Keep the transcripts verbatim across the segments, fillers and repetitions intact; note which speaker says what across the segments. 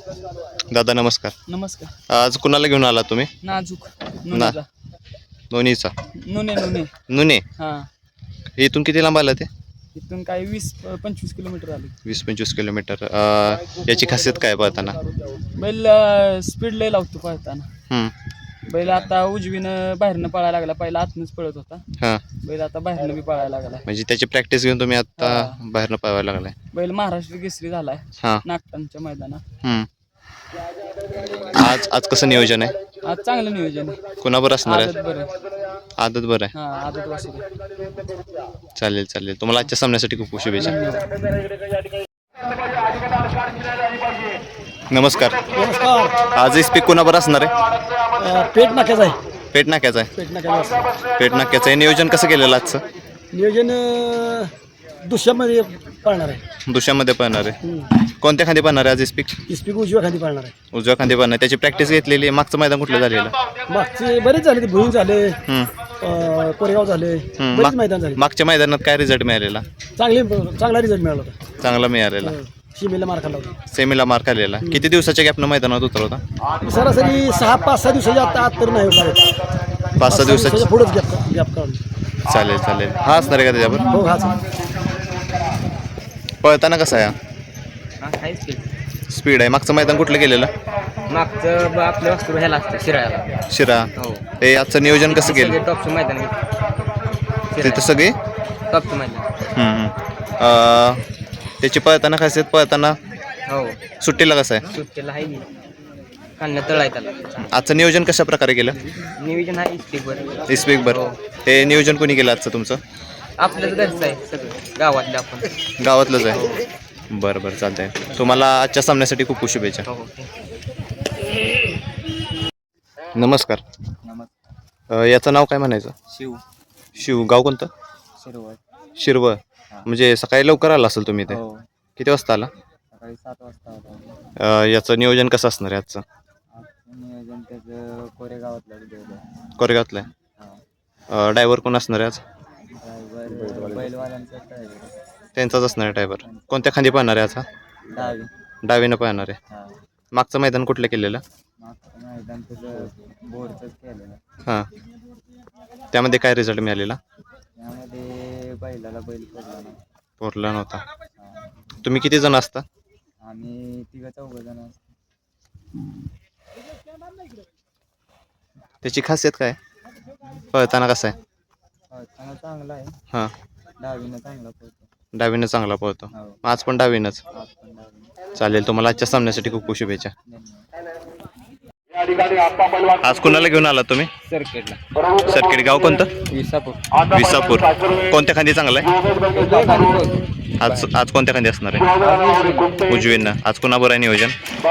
Speaker 1: दादा नमस्कार.
Speaker 2: नमस्कार.
Speaker 1: आज कुणाला घेऊन आला तुम्ही?
Speaker 2: नाजूक
Speaker 1: ना दोन्हीचा
Speaker 2: नुने नुने
Speaker 1: नुने.
Speaker 2: हा.
Speaker 1: इथून किती लांब आला ते?
Speaker 2: इथून काही वीस पंचवीस किलोमीटर आले.
Speaker 1: वीस पंचवीस किलोमीटर. याची खासियत काय पळताना?
Speaker 2: बैल स्पीड लय लावतो पळताना.
Speaker 1: हम्म.
Speaker 2: बैल आता उजवीनं बाहेरनं पळायला लागला, पहिला आतनंच पळत होता.
Speaker 1: हां.
Speaker 2: बैल आता बाहेरनं बी पळायला लागला.
Speaker 1: म्हणजे त्याची प्रॅक्टिस घेऊन तुम्ही आता
Speaker 2: हा.
Speaker 1: बाहेरनं पळवायला लागलाय.
Speaker 2: बैल महाराष्ट्र केसरी झालाय
Speaker 1: हां.
Speaker 2: नागटांच्या मैदानात.
Speaker 1: हम्म. आज आज कसं नियोजन आहे?
Speaker 2: आज चांगलं नियोजन आहे.
Speaker 1: कुणाबर असणार
Speaker 2: आदत
Speaker 1: आहे?
Speaker 2: बरं.
Speaker 1: आदत बरं आहे.
Speaker 2: हा आदत वासरू.
Speaker 1: चालेल चालेल. तुम्हाला आजच्या सामन्यासाठी खूप खूप शुभेच्छा. नमस्कार.
Speaker 3: नमस्कार.
Speaker 1: आज स्पीक कुणाबर असणार आहे?
Speaker 3: पेट नाक्याचं आहे.
Speaker 1: पेट नाक्याचा आहे.
Speaker 3: पेट नाक्याचं
Speaker 1: पेट नाक्याचं आहे. नियोजन कसं केलेलं आजचं?
Speaker 3: नियोजन दुसऱ्यामध्ये पाळणार आहे.
Speaker 1: दुशामध्ये पळणार आहे. कोणत्या खांदी पळणार आहे आज स्पीक?
Speaker 3: इस्पिक उजव्या खाली पाळणार आहे.
Speaker 1: उजव्या खांदी पळणार. त्याची प्रॅक्टिस घेतलेली आहे. मागचं मैदान कुठलं झालेलं?
Speaker 3: मागचे बरेच झाले, ते भुईंग झाले,
Speaker 1: हम्म.
Speaker 3: अं, कोरेगाव झाले,
Speaker 1: हम्म.
Speaker 3: बरेच
Speaker 1: माग-
Speaker 3: मैदान झाले.
Speaker 1: मागच्या मैदानात काय रिझल्ट मिळालेला?
Speaker 3: चांगले चांगला रिझल्ट मिळाला होता.
Speaker 1: चांगला मिळालेला.
Speaker 3: शिमेला मार खाल्ला होता.
Speaker 1: सेमीला मार्क आलेला. किती दिवसाच्या गॅपनं मैदानात उतरवता?
Speaker 3: सरासरी सहा पाच सहा दिवसाच्या आता आत तर नाही होता.
Speaker 1: पाच सहा दिवसाची.
Speaker 3: पुढेच गॅप गॅप काढून.
Speaker 1: चालेल चालेल. हा असणार आहे का त्याच्यावर?
Speaker 3: हो हाच.
Speaker 1: पळताना कसं आहे? स्पीड आहे. मागचं मैदान कुठलं केलेलं?
Speaker 2: मागचं आपल्या वस्तू ह्याला असतं शिरायला.
Speaker 1: शिरा.
Speaker 2: हो.
Speaker 1: हे आजचं नियोजन कसं केलं?
Speaker 2: टॉपचं मैदान
Speaker 1: तिथं सगळी?
Speaker 2: टॉपचं मैदान.
Speaker 1: हम्म, हम्म. अं, त्याची पळताना खासियत पळताना
Speaker 2: हो.
Speaker 1: सुट्टीला कसं आहे?
Speaker 2: सुट्टीला आहे की काढण्यात तळ आहे त्याला.
Speaker 1: आजचं नियोजन कशा प्रकारे केलं?
Speaker 2: नियोजन आहे स्टिकवर.
Speaker 1: स्पीक बरं. हे नियोजन कोणी केलं आजचं तुमचं?
Speaker 2: आपल्याच घरचं आहे सगळं, गावातलं आपण.
Speaker 1: गावातलंच आहे. बरं बरं चालतंय. तुम्हाला आजच्या सामन्यासाठी खूप खूप शुभेच्छा. नमस्कार.
Speaker 2: नमस्कार.
Speaker 1: अं, याचं नाव काय म्हणायचं?
Speaker 2: शिव.
Speaker 1: शिव. गाव कोणतं?
Speaker 2: शिरवळ.
Speaker 1: शिरवळ. म्हणजे सकाळी लवकर आला असेल तुम्ही ते?
Speaker 2: हो.
Speaker 1: किती वाजता आला?
Speaker 2: सकाळी सात वाजता होता.
Speaker 1: अं, याचं नियोजन कसं असणार आहे आजचं?
Speaker 2: नियोजन त्याचं कोरेगावातलं.
Speaker 1: कोरेगावातलं आहे. ड्रायव्हर कोण असणार आहे आज?
Speaker 2: ड्रायव्हर बैलवाल्यांचा ड्रायव्हर.
Speaker 1: त्यांचाच असणार आहे ड्रायव्हर. कोणत्या खांदी पाहणार आहे आज?
Speaker 2: डावी.
Speaker 1: डावीनं पाहणार आहे.
Speaker 2: हा.
Speaker 1: मागचं मैदान कुठलं केलेलं?
Speaker 2: मागचं मैदान त्याचं बोरचंच केलेलं.
Speaker 1: हां. त्यामध्ये काय रिझल्ट मिळालेला?
Speaker 2: त्यामध्ये बैलाला बैल पडला नाही.
Speaker 1: पोरला नव्हता. तुम्ही किती जण असता?
Speaker 2: आम्ही तिघं चौघं जण असतो.
Speaker 1: त्याची खासियत काय? पळताना कसं आहे?
Speaker 2: पळताना चांगला आहे.
Speaker 1: हां.
Speaker 2: डावीनं चांगला पळतो.
Speaker 1: डावीनं चांगला पळतो.
Speaker 2: हो.
Speaker 1: आज पण डावीनंच.
Speaker 2: आज पण डावीनं.
Speaker 1: चालेल. तुम्हाला आजच्या सामन्यासाठी खूप खूप शुभेच्छा.
Speaker 2: धन्यवाद.
Speaker 1: आज कुणाला घेऊन आला तुम्ही?
Speaker 2: सर्किटला.
Speaker 1: सर्किट. गाव कोणतं?
Speaker 2: विसापूर.
Speaker 1: विसापूर. कोणत्या खांदी चांगला आहे? आज आज कोणत्या खांदी असणार आहे? उजवीनं. आज कुणाबरोबर आहे नियोजन?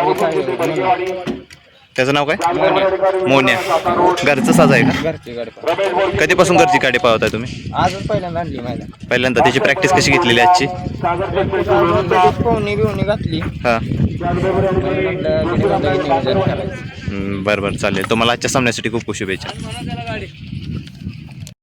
Speaker 1: त्याचं नाव काय? मोन्या. घरचं साज आहे का?
Speaker 2: घरची गाडी.
Speaker 1: कधीपासून घरची गाडी पाहताय तुम्ही?
Speaker 2: आजच पहिल्यांदा आणली मैदान.
Speaker 1: पहिल्यांदा. त्याची प्रॅक्टिस कशी घेतलेली आजची?
Speaker 2: पोहणी बिवणी घातली.
Speaker 1: हां.
Speaker 2: म्हटलं
Speaker 1: बरं बरं चालेल. तुम्हाला आजच्या सामन्यासाठी खूप खूप शुभेच्छा.